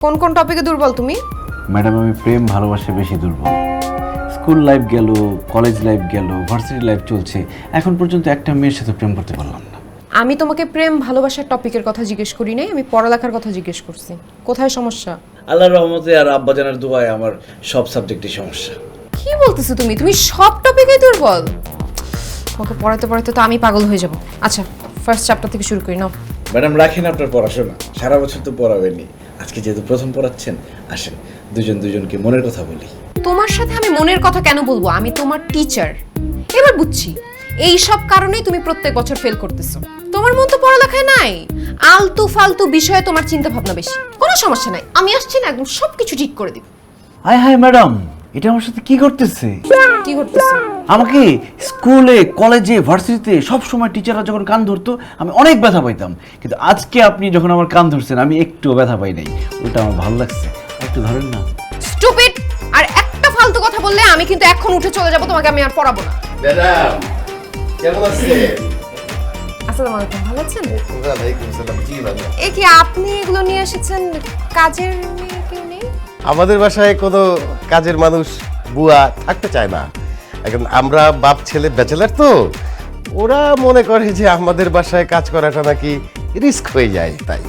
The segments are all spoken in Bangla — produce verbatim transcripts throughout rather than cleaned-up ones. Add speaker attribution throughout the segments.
Speaker 1: কোন কোন টপিকে দুর্বল তুমি?
Speaker 2: ম্যাডাম আমি প্রেম ভালোবাসা বেশি দুর্বল। স্কুল লাইফ গেল, কলেজ লাইফ গেল, ভার্সিটি লাইফ চলছে, এখন পর্যন্ত একটা মেয়ের সাথে প্রেম করতে পারলাম না।
Speaker 1: আমি তোমাকে প্রেম ভালোবাসার টপিকের কথা জিজ্ঞেস করি নাই, আমি পড়ালেখার কথা জিজ্ঞেস করছি। কোথায় সমস্যা?
Speaker 3: আল্লাহর রহমতে আর আব্বাজানের দোয়ায় আমার সব সাবজেক্টই সমস্যা।
Speaker 1: কি বলতেছো তুমি? তুমি সব টপিকেই দুর্বল? তোমাকে পড়াতে পড়াতে তো আমি পাগল হয়ে যাব। আচ্ছা, ফার্স্ট চ্যাপ্টার থেকে শুরু করি নাও।
Speaker 3: ম্যাডাম রাখেন আপনার পড়াশোনা, সারা বছর তো পড়াবেনই, আজকে যেহেতু প্রথম পড়াচ্ছেন আসেন দুজন দুজনকে মনের কথা বলি।
Speaker 1: তোমার সাথে আমি মনের কথা কেন বলবো? আমি তোমার টিচার। এবার বুঝছি এই সব কারণেই তুমি প্রত্যেক বছর ফেল করতেছো। তোমার মন তো পড়ালেখায় নাই, আলতু ফালতু বিষয়ে তোমার চিন্তা ভাবনা বেশি। কোনো সমস্যা নাই, আমি আসছি না, একদম সবকিছু ঠিক করে দিব।
Speaker 2: হায় হায় ম্যাডাম, এটা আমার সাথে কি করতেছে?
Speaker 1: কি করতেছো?
Speaker 2: আমাকে স্কুলে, কলেজে, ভার্সিটিতে সব সময় টিচাররা যখন কান ধরতো আমি অনেক ব্যথা পাইতাম, কিন্তু আজকে আপনি যখন আমার কান ধরছেন আমি একটুও ব্যথা পাই নাই। ওটা আমার ভালো লাগছে, একটু ধরেন না।
Speaker 1: স্টুপিড! আর একটা ফালতু কথা বললে আমি কিন্তু এখন উঠে চলে যাব, তোমাকে আমি আর পড়াবো না।
Speaker 4: ম্যাডাম কেমন আছেন?
Speaker 1: আসসালামু আলাইকুম, ভালো আছেন?
Speaker 4: ওয়ালাইকুম সালাম। জি ভালো।
Speaker 1: এ কি আপনি এগুলো নিয়ে এসেছেন? কাজের মেয়ে কেউ নেই?
Speaker 4: আমাদের বাসায় কোনো কাজের মানুষ বুয়া থাকতে চায় না। এখন আমরা বাপ ছেলে ব্যাচেলার তো, ওরা মনে করে যে আমাদের বাসায় কাজ করাটা নাকি রিস্ক হয়ে যায়, তাই।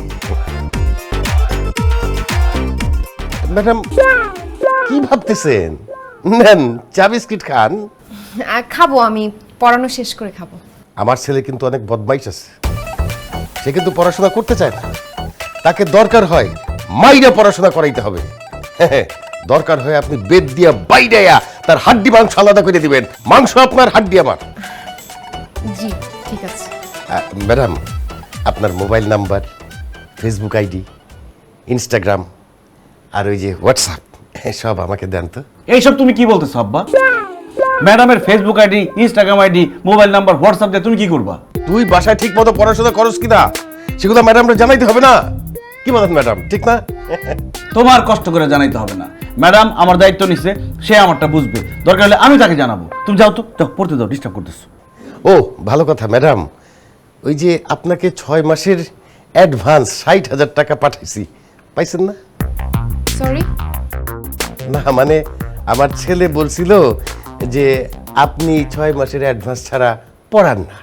Speaker 4: ম্যাডাম কি ভাবতেছেন? নেন চা বিস্কিট খান।
Speaker 1: আহ, খাবো, আমি পড়ানো শেষ করে খাবো।
Speaker 4: আমার ছেলে কিন্তু অনেক বদমাইশ আছে, সে কিন্তু পড়াশোনা করতে চায় না। তাকে দরকার হয় মাইরা পড়াশোনা করাইতে হবে। হ্যাঁ, দরকার হয় আপনি বেদ দিয়া বাইডাইয়া তার হাড্ডি মাংস আলাদা করে দিবেন। মাংস আপনার, হাড্ডি আমার।
Speaker 1: জি ঠিক আছে।
Speaker 4: আহ, ম্যাডাম আপনার mobile number, Facebook ID, Instagram আর ওই যে হোয়াটসঅ্যাপ সব আমাকে দেন তো।
Speaker 2: এইসব তুমি কি বলতেছো আব্বা? ম্যাডামের Facebook ID, Instagram ID, mobile number, WhatsApp দিয়ে তুমি কি করবা?
Speaker 4: তুই বাসায় ঠিক মতো পড়াশোনা করস কিনা সেগুলো ম্যাডামরা জানাইতে হবে না? কি বলেন ম্যাডাম, ঠিক না?
Speaker 2: তোমার কষ্ট করে জানাইতে হবে না। ম্যাডাম আমার দায়িত্ব নিচ্ছে, সে আমারটা বুঝবে, দরকার হলে আমি তাকে জানাবো। তুমি যাও তো, যাও পড়তে দাও, ডিস্টার্ব করতেছো।
Speaker 4: ও ভালো কথা ম্যাডাম, ওই যে আপনাকে ছয় মাসের অ্যাডভান্স ষাট হাজার টাকা পাঠাইছি, পাইছেন না?
Speaker 1: সরি?
Speaker 4: না মানে আমার ছেলে বলছিল যে আপনি ছয় মাসের অ্যাডভান্স ছাড়া পড়ান না।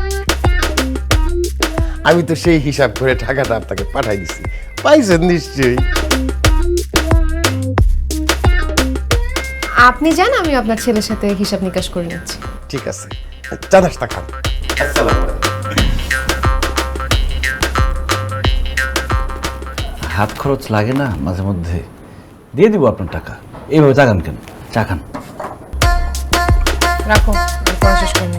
Speaker 4: আমি তো সেই হিসাব করে টাকাটা আপনাকে পাঠাই দিছি, পাইছেন নিশ্চয়ই।
Speaker 1: আপনি জান, আমি আপনার ছেলের সাথে হিসাব নিকাশ করে নিচ্ছি।
Speaker 4: ঠিক আছে, চা নাস্তা খান। আসসালামু আলাইকুম।
Speaker 2: হাত খরচ লাগে না মাঝে মধ্যে? দিয়ে দিব আপনার টাকা। এইভাবে চাকান কেন? চা খান।
Speaker 1: রাখো, আমি পড়া শেষ করে